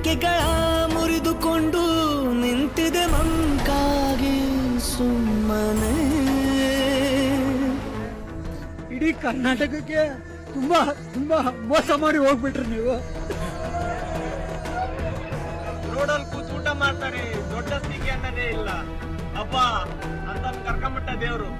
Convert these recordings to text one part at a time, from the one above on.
ರೆಕ್ಕೆಗಳ ಮುರಿದುಕೊಂಡು ನಿಂತಿದೆ ಮಂಕಾಗಿ ಸುಮ್ಮನೆ. ಇಡೀ ಕರ್ನಾಟಕಕ್ಕೆ ತುಂಬಾ ತುಂಬಾ ಮೋಸ ಮಾಡಿ ಹೋಗ್ಬಿಟ್ರಿ ನೀವು. ರೋಡಲ್ಲಿ ಕೂತ್ ಊಟ ಮಾಡ್ತಾರೆ, ದೊಡ್ಡ ಸ್ಥಿತಿ ಅನ್ನೋದೇ ಇಲ್ಲ. ಅಪ್ಪ ಅಂತ ಕರ್ಕೊಂಬಿಟ್ಟ ದೇವ್ರು.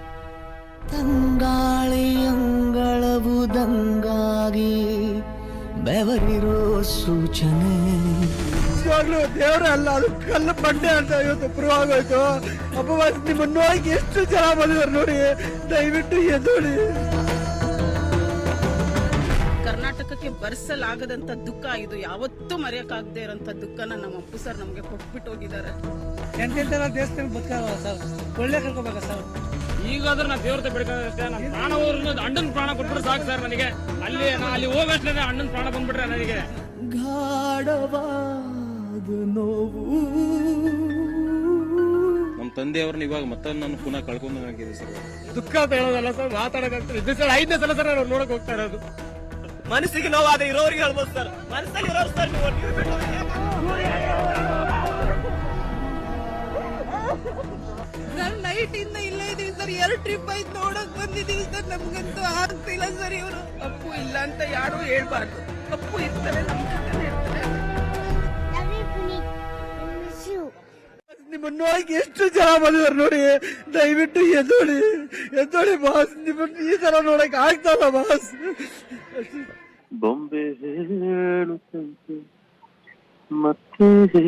ತಂಗಾಳಿ ಅಂಗಳವುದಂಗಾಗಿ ಬೆವರಿರೋ ಸೂಚನೆ. ನಿಜವಾಗ್ಲೂ ದೇವ್ರ ಅಲ್ಲ, ಅದು ಕಲ್ಲು ಬಂಡೆ ಅಂತ ಇವತ್ತು ಪ್ರೂವ್ ಆಗೋಯ್ತು. ಅಪವಾಸ ನಿಮ್ಮನ್ನು ನೋಡಿ ಎಷ್ಟು ಜನ ಬಂದಿದ್ದಾರೆ ನೋಡಿ, ದಯವಿಟ್ಟು ಎದ್ದೋಳಿ. ಕರ್ನಾಟಕಕ್ಕೆ ಭರಿಸಲಾಗದಂತ ದುಃಖ ಇದು, ಯಾವತ್ತೂ ಮರೆಯಕ್ಕಾಗದೇ ಇರೋಂಥ ದುಃಖನ ನಮ್ಮ ಅಪ್ಪು ಸರ್ ನಮ್ಗೆ ಕೊಟ್ಬಿಟ್ಟು ಹೋಗಿದ್ದಾರೆ. ಎಂತೆಂತೆಲ್ಲ ದೇಶದಲ್ಲಿ ಬದುಕಲ್ಲ ಸರ್, ಒಳ್ಳೆ ಕರ್ಕೋಬೇಕ ಸರ್. ಈಗಾದ್ರೂ ನಾ ದೇವ್ರತೆ ಬಿಡ್ಕೋದಷ್ಟೇ. ನಮ್ಮ ಪ್ರಾಣ ಹೋದ್ರು ಅಣ್ಣನ ಪ್ರಾಣ ಕೊಟ್ಬಿಟ್ರೆ ಸಾಕು ಸರ್ ನನಗೆ. ಅಲ್ಲಿ ಹೋಗಷ್ಟೇ ಅಣ್ಣನ ಪ್ರಾಣ ಬಂದ್ಬಿಟ್ರೆ ನನಗೆ ಗಾಢವಾದ ನೋವು. ನಮ್ಮ ತಂದೆಯವ್ರನ್ನ ಇವಾಗ ಮತ್ತೆ ನಾನು ಪುನಃ ಕಳ್ಕೊಂಡಾಗಿದೆ ಸರ್. ದುಃಖ ಅಂತ ಹೇಳೋದಲ್ಲ ಸರ್, ಮಾತಾಡೋದಂತ ಇದು ಸರ್ 5ನೇ ಸಲ ಸರ್ ನಾವು ನೋಡಕ್ ಹೋಗ್ತಾ ಇರೋದು. ಮನಸ್ಸಿಗೆ ನೋವಾದ ಇರೋರಿಗೆ ಹೇಳ್ಬೋದು ಸರ್, ಮನಸ್ಸಲ್ಲಿ ಇರೋರು ಸರ್ ನೀವು. ನಾನು ನೈಟ್ ಇಂದ ಇಲ್ಲೇ ಇದೀವಿ ಸರ್, 2 ಟ್ರಿಪ್ ಆಯ್ತು ನೋಡಕ್ ಬಂದಿದೀವಿ ಸರ್. ನಮ್ಗಂತೂ ಆಗ್ತಿಲ್ಲ ಸರ್. ಇವರು ಅಪ್ಪು ಇಲ್ಲ ಅಂತ ಯಾರು ಹೇಳ್ಬಾರ್ದು, ಅಪ್ಪು ಇರ್ತಾರೆ ನಮ್ ಜೊತೆ ಇರ್ತಾರೆ. ನಿಮ್ಮನ್ನು ನೋಡಿ ಎಷ್ಟು ಜನ ಬಂದಿದ್ದಾರೆ ನೋಡಿ, ದಯವಿಟ್ಟು ಎದ್ದೋಳಿ ಎದ್ದೋಳಿ ಬಾಸ್. ನಿಮ್ಮನ್ನು ಈ ತರ ನೋಡಕ್ ಆಗ್ತಲ್ಲ ಬಾಸ್. ಬೊಂಬೆ ಹೇಳುತ್ತಂತೆ ಮತ್ತೆ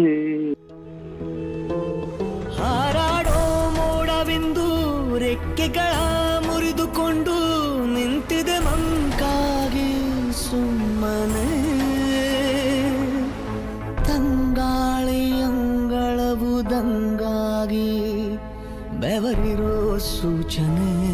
ಹಾರಾಡೋ ಮೋಡವಿಂದು ರೆಕ್ಕೆಗಳ ಮುರಿದುಕೊಂಡು ನಿಂತಿದೆ ಮಂಕಾಗಿ ಸುಮ್ಮನೆ. ತಂಗಾಳಿ ಅಂಗಳವುದಂಗಾಗಿ ಬೆವರಿರೋ ಸೂಚನೆ.